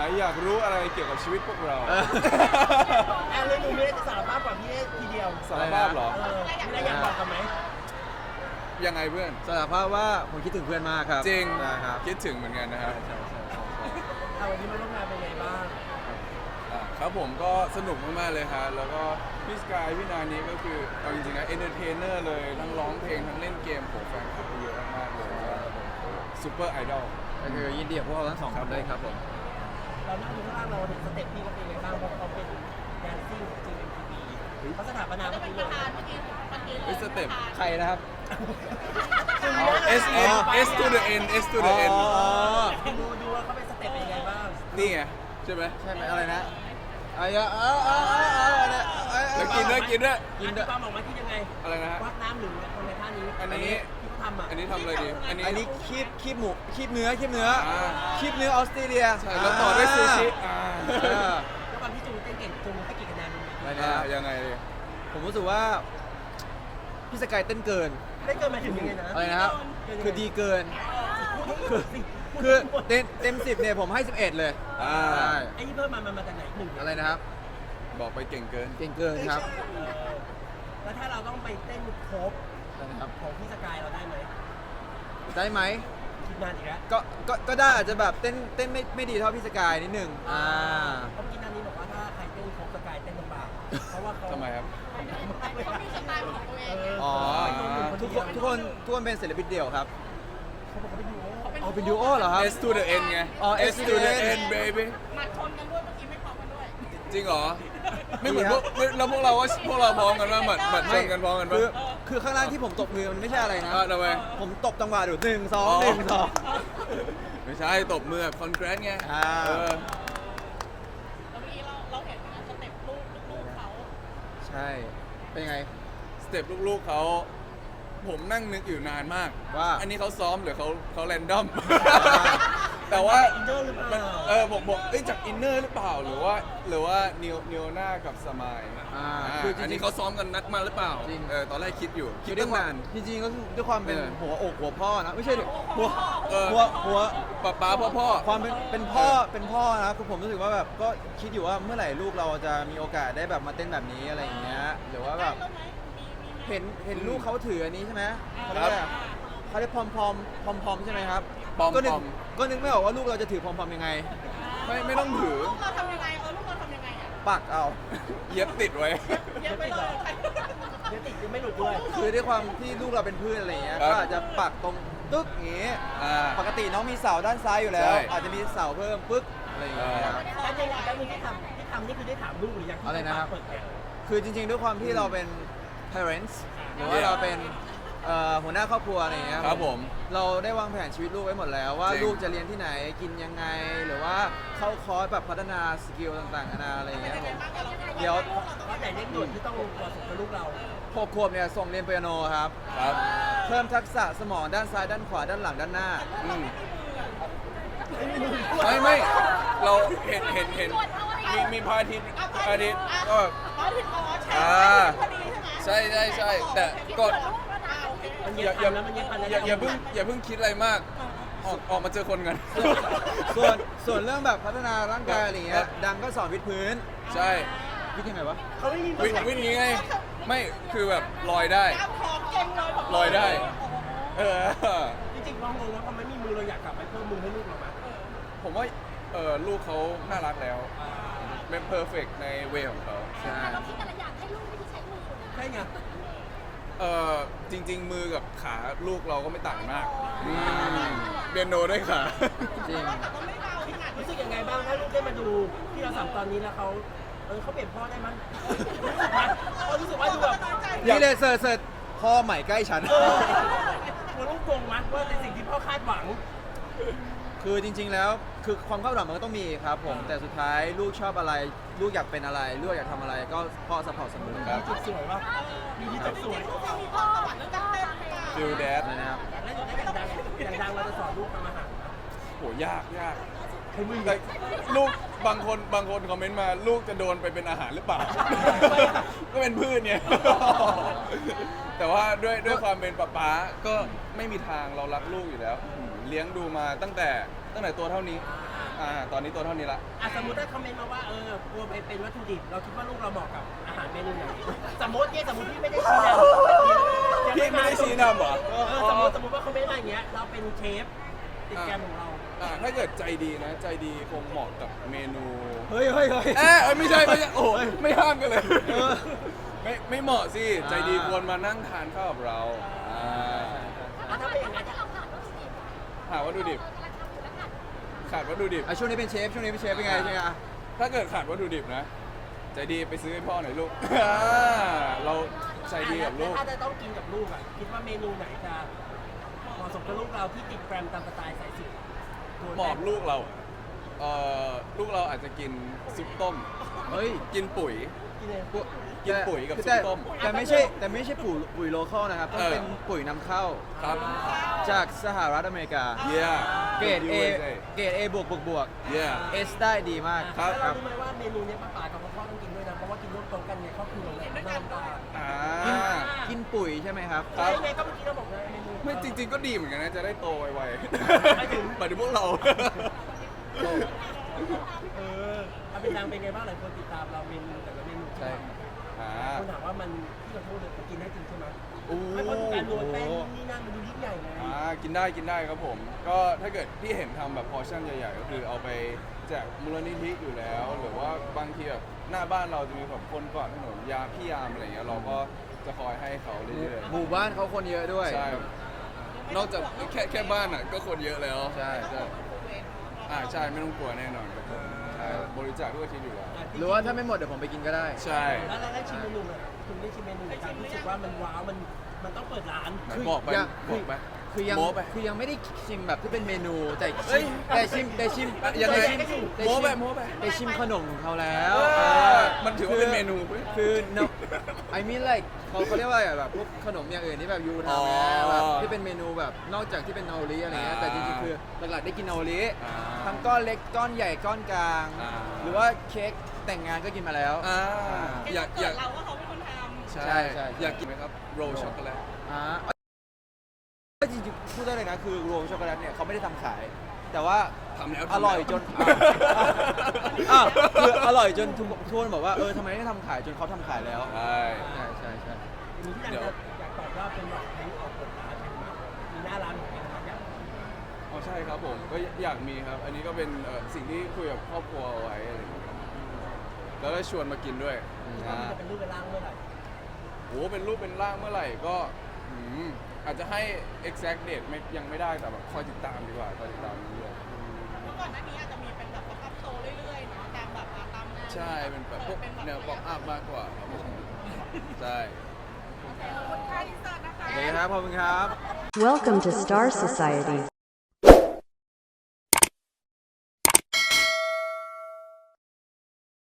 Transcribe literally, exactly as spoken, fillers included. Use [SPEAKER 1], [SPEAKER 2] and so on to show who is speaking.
[SPEAKER 1] อยากรู้อะไรเกี่ยวกับชีวิตพวกเรา
[SPEAKER 2] แอนเลยดูไม่ได้จะสารภาพก่อนพี่เอทีเดียว
[SPEAKER 1] สารภาพเหรอ
[SPEAKER 2] เออไม่ได้อยากบอกกันไหม
[SPEAKER 1] ยังไงเพื่อน
[SPEAKER 3] สารภาพว่าผมคิดถึงเพื่อนมากครับ
[SPEAKER 1] จริง
[SPEAKER 3] นะครับ
[SPEAKER 1] คิดถึงเหมือนกันนะครับ
[SPEAKER 2] เอาวันนี้มาร่วมงานเป็นไงบ้าง
[SPEAKER 1] อ่ะครับผมก็สนุกมากๆเลยครับแล้วก็พี่สกายพี่นานี้ก็คือเอาจริงๆนะเอนเตอร์เทนเนอร์เลยทั้งร้องเพลงทั้งเล่นเกมผมแฟนคลับเยอะมากๆเลยซูเปอร์ไอดอล
[SPEAKER 3] ก็คือยินดีกับพวกเราทั้งสองคนเลยครับผม
[SPEAKER 2] เรานั่งดูข้างล่างเราเห็นสเต็ปพี่ก็เป็นไงบ้างเพราะเขาเป็นแดนซิ่งของจีเอ็มทีวีเขาสถาปนา
[SPEAKER 4] จะ
[SPEAKER 2] เมื่อ
[SPEAKER 4] เป็น
[SPEAKER 2] กี้
[SPEAKER 4] ป
[SPEAKER 2] เล
[SPEAKER 4] ระธาน
[SPEAKER 2] ย
[SPEAKER 4] เมื่อกี้เมื่อกี้เล
[SPEAKER 1] เฮ้
[SPEAKER 4] ย
[SPEAKER 1] ยสเต็ป
[SPEAKER 3] ใครนะครับ
[SPEAKER 1] S N S to the N S to the N
[SPEAKER 3] อ๋อ
[SPEAKER 2] ดูดูว่าเขาเป็นสเต็ปเป็นยังไงบ้าง
[SPEAKER 1] นี่ไงใช่ไหม
[SPEAKER 3] ใช่ไหมอะไรนะไอ้เออเออเออเออเออ
[SPEAKER 1] แล้วกินด้วยกินด้วย
[SPEAKER 3] กิน
[SPEAKER 2] อั
[SPEAKER 3] ด้วย
[SPEAKER 2] ความออกมาที่ยังไง
[SPEAKER 1] อะไรนะฮะ
[SPEAKER 2] วักน้ำหรือคนในท่านี้
[SPEAKER 1] อันนี้
[SPEAKER 2] ที่เขาทำอ่ะ
[SPEAKER 1] อันนี้ทำอะไรดีอันนี้
[SPEAKER 3] อันนี้คีบคีบหมูคีบเนื้อคีบเนื้อ
[SPEAKER 1] อ่า
[SPEAKER 3] คีบเนื้อออสเตรเลีย
[SPEAKER 1] ใช่แล้วต่อด้วยซูชิอ่า
[SPEAKER 3] อ่า
[SPEAKER 2] แล้วความที่จูนเต้นเก่งจูนให้กี่คะแนน
[SPEAKER 3] อะไร
[SPEAKER 1] อ่า
[SPEAKER 3] นะ
[SPEAKER 1] ยังไงดี
[SPEAKER 3] ผมรู้สึกว่าพี่สกายเต้นเกิน
[SPEAKER 2] ได้เกินมาถึงยังไงนะ
[SPEAKER 3] อะไรนะครับ คือดีเกิน
[SPEAKER 2] คือ
[SPEAKER 3] คือเต็มเต็มสิบเนี่ยผมให้สิบเอ็ดเลย
[SPEAKER 1] อ่า
[SPEAKER 3] ใช่
[SPEAKER 2] ไอ้นี่เพิ่มมามันมาจากไหนหนึ่ง
[SPEAKER 3] อะไรนะครับ
[SPEAKER 1] บอกไปเก่งเกิน
[SPEAKER 3] เก่งเกินครับ
[SPEAKER 2] แล้วถ้าเราต้องไปเต้นโคฟ
[SPEAKER 3] นะครับ
[SPEAKER 2] ของพี่สกายเราได้ไหม
[SPEAKER 3] ได้ไหม
[SPEAKER 2] คิดนานอีกแล้ว
[SPEAKER 3] ก็ก็ก็ได้อาจจะแบบเต้นเต้นไม่ไม่ดีเท่าพี่สกายนิดหนึ่งอ่า
[SPEAKER 2] เพราะเมื่อกี้นันนี้บอกว่าถ้าใครเต้นโคฟสกายเต้นลำบากเพราะว่าเขา
[SPEAKER 1] ทำไมครับ
[SPEAKER 4] เขามีสไตล์ของตัวเองไง
[SPEAKER 3] อ๋อ
[SPEAKER 2] ทุ
[SPEAKER 3] ทุ
[SPEAKER 2] ก
[SPEAKER 3] ก
[SPEAKER 2] ค
[SPEAKER 3] คน นทุกคนทุกคนเป็นศิลปินเดี่ยวครับ
[SPEAKER 2] เขาบอกเขาไปดู
[SPEAKER 3] เอาเป็นดูโอเหรอครับ
[SPEAKER 1] S to the N ไง
[SPEAKER 3] อ๋อ
[SPEAKER 1] S to the N baby
[SPEAKER 4] หมัดชนกันด้วยเมื่อกี้ไม่พร้อมกันด้วย
[SPEAKER 1] จริงเหรอ ไม่เหมือนพวกแล้วพวกเราว่าพวกเราพร้อมกันว่าหมัดหมัดชนกันพร้อมกัน
[SPEAKER 3] คื
[SPEAKER 1] ปะ
[SPEAKER 3] อคือข้างล่างที่ผมตบมือมันไม่ใช่อะไรนะ
[SPEAKER 1] อ่าทำไม
[SPEAKER 3] ผมตบจังหวะดูหนึ่งสอง
[SPEAKER 1] อ๋อ
[SPEAKER 3] หนึ่งสอง
[SPEAKER 1] ไม่ใช่ตบมือคอนแกรสไง
[SPEAKER 3] อ่า
[SPEAKER 1] เออ
[SPEAKER 4] แล้วเมื่อกี้เราเราเห็นนะสเต็ปลูกลูกเขา
[SPEAKER 3] ใช่ เป็นยังไง
[SPEAKER 1] สเต็ปลูกๆเขาผมนั่งนึกอยู่นานมาก
[SPEAKER 3] ว่า
[SPEAKER 1] อันนี้เขาซ้อมหรือเขาเขาแรนดอม แต่ว่า
[SPEAKER 2] อินเนอร์หรือเป
[SPEAKER 1] มัน
[SPEAKER 2] ล่า
[SPEAKER 1] เออผมบอกเอ้ยจากอินเนอร์หรือเปล่าหรือว่าหรือว่านิวนิวน่ากับสมาย
[SPEAKER 3] อ่า
[SPEAKER 1] อ่า
[SPEAKER 3] คือจ
[SPEAKER 1] อัน
[SPEAKER 3] ริ
[SPEAKER 1] นี้
[SPEAKER 3] ง
[SPEAKER 1] เขาซ้อมกันนัดมาหรือเปล่า
[SPEAKER 3] จริง
[SPEAKER 1] เออตอนแรกคิดอยู่
[SPEAKER 3] ๆ
[SPEAKER 1] คิด
[SPEAKER 3] ด้ว
[SPEAKER 1] ตั้
[SPEAKER 3] ย
[SPEAKER 1] ง
[SPEAKER 3] ความ
[SPEAKER 1] นาน
[SPEAKER 3] จริงๆก็คือด้วยความเป็น
[SPEAKER 1] เออ
[SPEAKER 3] หัวอกหัวพ่อนะ ไม่ใช่ดิหัว
[SPEAKER 1] เออ
[SPEAKER 3] หัวหัว
[SPEAKER 1] ป๊าป๊าพ่อพ่อ
[SPEAKER 3] ความเป็นเป็นพ่อเป็นพ่อนะคือผมรู้สึกว่าแบบก็คิดอยู่ว่าเมื่อไหร่ลูกเราจะมีโอกาสได้แบบมาเต้นแบบนี้อะไรอย่างเงี้ยหรือว่าแบบ
[SPEAKER 4] ได้ไหมมีมีไหม
[SPEAKER 3] เห็นเห็นลูกเขาถืออันนี้ใช่ไหมเขาเรียกว่าเขาเรียกพอมพอมพอมพอมใช่ไหมครับ
[SPEAKER 1] ปอม
[SPEAKER 3] ก็นึก
[SPEAKER 1] ปอม
[SPEAKER 3] ก็นึกไม่ออกว่าลูกเราจะถือพอมพอมยังไง
[SPEAKER 1] ไม่ไม่ต้องถือ
[SPEAKER 4] ลูกเราทำยังไงเออลูกเราทำยังไงอ่ะ
[SPEAKER 3] ปักเอา
[SPEAKER 1] เย็บติดไว้
[SPEAKER 4] เย็บไปเลยใคร
[SPEAKER 2] เดี๋ยวติดยังไม่หลุดด้วย
[SPEAKER 3] คือด้วยความที่ลูกเราเป็นพืชอะไรอย่างเงี้ย
[SPEAKER 1] ครับ
[SPEAKER 3] ก็อาจจะปักตรงตึ๊กอย่างงี้
[SPEAKER 1] อ่า
[SPEAKER 3] ปกติน้องมีเสาด้านซ้ายอยู่แล้ว
[SPEAKER 1] ใช่
[SPEAKER 3] อาจจะมีเสาเพิ่มปึ๊กอะไรอย่างเงี้ยครับ
[SPEAKER 2] แล้วยังแล้วยังที่ทำที่ทำนี่คือได้ถามลูกหรือยังที่
[SPEAKER 3] อะไรนะครับ
[SPEAKER 2] เปิดแผล
[SPEAKER 3] คือจริงๆด้วยความที่เราเป็น parents หรือว่าเราเป็นเอ่อหัวหน้าครอบครัวอะไรอย่างเงี้ย
[SPEAKER 1] ครับผม
[SPEAKER 3] เราได้วางแผนชีวิตลูกไว้หมดแล้วว่า
[SPEAKER 1] จริง
[SPEAKER 3] ลูกจะเรียนที่ไหนกินยังไง หรือว่าเข้าคอร์สแบบพัฒนาสกิลต่างๆนานาอะไรอย่างเงี้ยครับผมเดี๋ยว
[SPEAKER 2] ว่าแต่เร่งด่วนที่ต้องเหมาะสมกับลูกเรา
[SPEAKER 3] หกขวบเนี่ยส่งเรียนเปียโนครับ
[SPEAKER 1] ครับ
[SPEAKER 3] เพิ่มทักษะสมองด้านซ้ายด้านขวาด้านหลังด้านหน้า
[SPEAKER 1] อืมไม่ไม่เราเห็นเห็นเห็นมีมีพระอาทิตย์พระอาทิตย์ก็แบบ
[SPEAKER 4] อ๋อถึงอ๋อใช่
[SPEAKER 1] อ่า
[SPEAKER 4] พอดีใช่ไหม
[SPEAKER 1] ใช่ใช่ใช่แต่กด
[SPEAKER 2] มัน
[SPEAKER 1] อ
[SPEAKER 2] เย็
[SPEAKER 1] ย่า
[SPEAKER 2] บ
[SPEAKER 1] อย่า
[SPEAKER 2] พันแล้วมันเย็บพันแล้ว
[SPEAKER 1] อย่าอย่าเพิ่งอย่าเพิ่งคิดอะไรมาก ออกออกมาเจอคนกัน
[SPEAKER 3] ส่วนส่วนเรื่องแบบพัฒนาร่างกายอะไรอย่างเงี้
[SPEAKER 1] ครั
[SPEAKER 3] ย
[SPEAKER 1] บ
[SPEAKER 3] ดังก็สอนวิดพื้น
[SPEAKER 1] ใช่
[SPEAKER 3] วิดยังไงวะ
[SPEAKER 2] เขาไม่มี
[SPEAKER 1] วิวินนี้ไง ไม่คือแบบลอยได้
[SPEAKER 4] กล้ามท้องเก่งเลยผม
[SPEAKER 1] ลอยได้ เออ
[SPEAKER 2] จริงๆเรางงว่าทำไมมีมือเราอยากกลับไปเพิ่มมือให้ลูกเราไหม
[SPEAKER 1] ผมว่าเออลูกเขาน่ารักแล้ว เป็นเพอร์เฟกในเวของเขา
[SPEAKER 3] ใช่
[SPEAKER 4] แต่เราคิดแต่ละอย่างให้ลูกไม่ได้ใช้มือนะ
[SPEAKER 2] ใช่ไง
[SPEAKER 1] เออจริง ๆ มือกับขาลูกเราก็ไม่ต่างมากอืมเปียโนด้วยขา
[SPEAKER 3] จริง
[SPEAKER 4] แต่ก็ไม่เบาขนาด
[SPEAKER 2] รู้สึกยังไงบ้างถ้าลูกได้มาดูที่เราสัมตอนนี้แล้วเขาเออเขาเปลี่ยนพ่อได้มั้ยเขารู้สึกว่าดูแบบ
[SPEAKER 3] นี่เลยเสิร์ชเสิร์ชพ่อใหม่ใกล้ฉัน
[SPEAKER 2] เออหัวลูกโกงมั้ยว่าในสิ่งที่พ่อคาดหวัง
[SPEAKER 3] คือจริง ๆ แล้วคือความคาดหวังมันก็ต้องมีครับผม แต่สุดท้ายลูกชอบอะไร ลูกอยากเป็นอะไร ลูกอยากทำอะไรก็พ่อสปอร์ตเสมอครับ
[SPEAKER 2] จุดสวยป่ะมีที่จุดสวย
[SPEAKER 4] ลูกเรามีพ่อสวรรค์เรื่องการเต้นหรือเปล่า
[SPEAKER 1] ฟิลแดด
[SPEAKER 3] อะไรนะครับ
[SPEAKER 2] แล้วอย่างดังอย่างดังเราจะสอนลูกทำอาหาร
[SPEAKER 1] โหยากยากแต่ลูกบางคนบางคนคอมเมนต์มาลูกจะโดนไปเป็นอาหารหรือเปล่า ก็เป็นพืชเนี่ย แต่ว่าด้วยด้วยความเป็นป๊าป๊าก็ไม่มีทางเรารักลูกอยู่แล้ว เลี้ยงดูมาตั้งแต่ตั้งแต่ตัวเท่านี้อ่าตอนนี้ตัวเท่านี้ละ
[SPEAKER 2] อ่ะสมมติถ้าคอมเมนต์มาว่าเออกลัวไปเป็นวัตถุดิบเราคิดว่าลูกเราเหมาะกับอาหารเมนูไหนสมมติเนี่ยสมมติพี่ไม่ได้ชี้นำ
[SPEAKER 1] พี่ไม่ได้ชี้นำเหรอ
[SPEAKER 2] เออสมมติสมมติว่าคอมเมนต์มาอย่างเงี้ยเราเป็นเชฟติดแกรมของเรา
[SPEAKER 1] อ่าถ้าเกิดใจดีนะ ใจดีคงเหมาะกับเมนู
[SPEAKER 3] เฮ้ยเฮ้ยเฮ้ย
[SPEAKER 1] เอยเอ้ยไม่ใช่ไม่ใช่โอ้ยไม่ห้ามกันเลย
[SPEAKER 3] เออ
[SPEAKER 1] ไม่ไม่เหมาะสิ
[SPEAKER 3] อ่า
[SPEAKER 1] ใจดีควรมานั่งทานข้าวกับเราอ่า
[SPEAKER 2] อ่ะถ้าเป็นอย่างนั้น
[SPEAKER 1] หาวัตถุดิบขาดวัตถุดิบ
[SPEAKER 3] อ่ะช่วงนี้เป็นเชฟช่วงนี้เป็นเชฟเป็นไงใช่ไหมอ่ะ
[SPEAKER 1] ถ้าเกิดขาดวัตถุดิบนะ ใจดีไปซื้อให้พ่อหน่อยลูก อ่าเราใจดีกับลูก
[SPEAKER 2] ถ้าจะต้องกินกับลูกอ่ะคิดว่าเมนูไหนจะเหมาะสมกับลูกเราที่ติดแกรมตามสไตล์สายสุด
[SPEAKER 1] เหมาะลูกเราเอ่อลูกเราอาจจะกินซุปต้ม
[SPEAKER 3] เฮ้ย
[SPEAKER 1] กินปุ๋ย
[SPEAKER 2] กินเลย
[SPEAKER 3] ปุ๋ย
[SPEAKER 1] กินปุ๋ยกับ
[SPEAKER 3] แต่
[SPEAKER 1] ซุปต้ม
[SPEAKER 3] แต่ไม่ใช่แต่ไม่ใช่ปุ๋ยปุ๋ยโลคอลนะครับต้อง
[SPEAKER 1] เออ
[SPEAKER 3] เป็นปุ๋ยนำเข้า
[SPEAKER 1] ครับ
[SPEAKER 3] จากสหรัฐอเมริกา
[SPEAKER 1] เยี่ย
[SPEAKER 3] เกรด A เกรด A บวกบวกบวก
[SPEAKER 1] เยี่ย
[SPEAKER 3] S ได้ดีมาก
[SPEAKER 1] ครับ
[SPEAKER 2] แล้วเรารู้ไหมว่าเมนูเนี้ยป้าป๋ากับพ่อพ่อต้องกินด้วยนะเพราะว่ากินร่วมโต๊ะกันเนี่ยครอบครัวเลยน้ำตา
[SPEAKER 1] อ่า
[SPEAKER 3] กินปุ๋ยใช่ไหมครับ
[SPEAKER 1] ครับ
[SPEAKER 2] ใช่ไงก็เมื่อกี้เราบอกนะเมนู
[SPEAKER 1] ไม่จริง ๆ ก็ดีเหมือนกันนะ จะได้โตไว
[SPEAKER 2] หมายถึง
[SPEAKER 1] ๆหมายถึงพวกเรา
[SPEAKER 2] เออเอาเป็นนางเป็นไงบ้างหลายคนติดตามเราเมนูแต่ละเมนูที่
[SPEAKER 3] ใช่
[SPEAKER 2] ทำ
[SPEAKER 1] อ่า
[SPEAKER 2] คนถามว่ามันที่เราพูดเนี่ยมันกินได้จริงใช่ไหม
[SPEAKER 1] โอ้
[SPEAKER 2] ไม่เพราะการโรยแป้งนู่นนี่นั่นมันดูยิ่งใหญ่ไง
[SPEAKER 1] อ่ากินได้กินได้ครับผม ก็ถ้าเกิดที่เห็นทำแบบพอร์ชั่นใหญ่ๆ ก็คือเอาไปแจกมูลนิธิอยู่แล้ว หรือว่าบางทีแบบหน้าบ้านเราจะมีแบบคนก่อนถนนยาพี่ยามอะไรเงี้ยเราก็จะคอยให้เขาเรื่อย
[SPEAKER 3] หมู่บ้านเขาคนเยอะด้วย
[SPEAKER 1] ๆใช่ นอกจากแค่แค่บ้านอ่ะก็คนเยอะแล้ว
[SPEAKER 3] ใช่
[SPEAKER 1] ใช่อ่าใช่ไม่ต้องกลัวแน่นอนครับผมใช่บริจาคทุกอาทิตย์อยู่แล้ว
[SPEAKER 3] หรือว่าถ้าไม่หมดเดี๋ยวผมไปกินก็ได้
[SPEAKER 1] ใช่
[SPEAKER 2] แล้วเราได้ชิมเมนูไหมคุณได้ชิมเมนูไหนครับรู้สึกว่ามันว้าวมันมันต้องเปิดร้าน
[SPEAKER 1] ไหน
[SPEAKER 3] คือ
[SPEAKER 1] บอกไป
[SPEAKER 3] ยัง
[SPEAKER 1] บอกไป
[SPEAKER 3] คือยัง
[SPEAKER 1] โม้ไป
[SPEAKER 3] คือยังไม่ได้ชิมแบบที่เป็นเมนูแต่
[SPEAKER 1] เฮ้
[SPEAKER 3] ชิ
[SPEAKER 1] ย
[SPEAKER 3] มแต่ชิมแต่ชิม
[SPEAKER 1] อ่ะยังไง
[SPEAKER 3] แต่ชิม
[SPEAKER 1] โม้ไปโม้ไป
[SPEAKER 3] แต่ชิมขนมของเขาแล้ว
[SPEAKER 1] เออ
[SPEAKER 3] เออ
[SPEAKER 1] มันถือว่าเป็นเมนู
[SPEAKER 3] คือ no I mean like เขาเขาเรียกว่าอะไรแบบพวกขนมอย่างอื่นที่แบบยู
[SPEAKER 1] อ๋อ
[SPEAKER 3] ทำนะแบบที่เป็นเมนูแบบนอกจากที่เป็นนาโอริอะไรเงี้ย
[SPEAKER 1] อ่า
[SPEAKER 3] แต่จริงๆคือหลักๆได้กินนาโอริ
[SPEAKER 1] อ่า
[SPEAKER 3] ทั้งก้อนเล็กก้อนใหญ่ก้อนกลาง
[SPEAKER 1] อ่า
[SPEAKER 3] หรือว่าเค้กแต่งงานก็กินมาแล้ว
[SPEAKER 1] อ่า
[SPEAKER 3] อ่า
[SPEAKER 1] อยากอยาก
[SPEAKER 4] เราว่าเขาเป็นคนทำ
[SPEAKER 1] ใช่
[SPEAKER 3] ใช่ใช่
[SPEAKER 1] อยากกินไหมครับโรลช็อกโกแลต
[SPEAKER 3] อ่าจริงๆพูดได้เลยนะคือรวมช็อกโกแลตเนี่ยเขาไม่ได้ทำขาย แต่ว่า
[SPEAKER 1] ทำแล้ว
[SPEAKER 3] อร่อยจนอ่ะคืออร่อยจนทุกทุกคนบอกว่าเออทำไมไม่ทำขายจนเขาทำขายแล้ว
[SPEAKER 1] ใช่
[SPEAKER 3] ใช่ใช่ใช่
[SPEAKER 2] มีที่อยากจะอยากตอบว่าเป็นแบบนี้ออกเปิดร้านใช่ไหมมีหน้าร้านของเองนะครับอยาก
[SPEAKER 1] อ๋อใช่ครับผมก็อยากมีครับ อันนี้ก็เป็นเอ่อสิ่งที่คุยกับครอบครัวเอาไว้อะไรอย่างเงี้ยครับแล้วก็ชวนมากินด้วย
[SPEAKER 2] ว่ามันจะเป็นรูปเป็นร่างเมื่อไหร่
[SPEAKER 1] โอ้เป็นรูปเป็นร่างเมื่อไหร่ก็อืมอาจจะให้ exact date ไม่ยังไม่ได้แต่แบบคอยติดตามดีกว่าคอยติดตามเรื่อย
[SPEAKER 4] เมื่อก่อนหน้านี้อาจจะมีเป็นแบบป๊อปอัพโชว์เรื่อยๆเนาะตามแบบตามงาน
[SPEAKER 1] ๆใช่เป็นแบบพวกแนวป๊อปอัพมากกว่าครับผมใช่
[SPEAKER 3] โอเคครับขอบคุณครับ
[SPEAKER 5] Welcome to Star Society.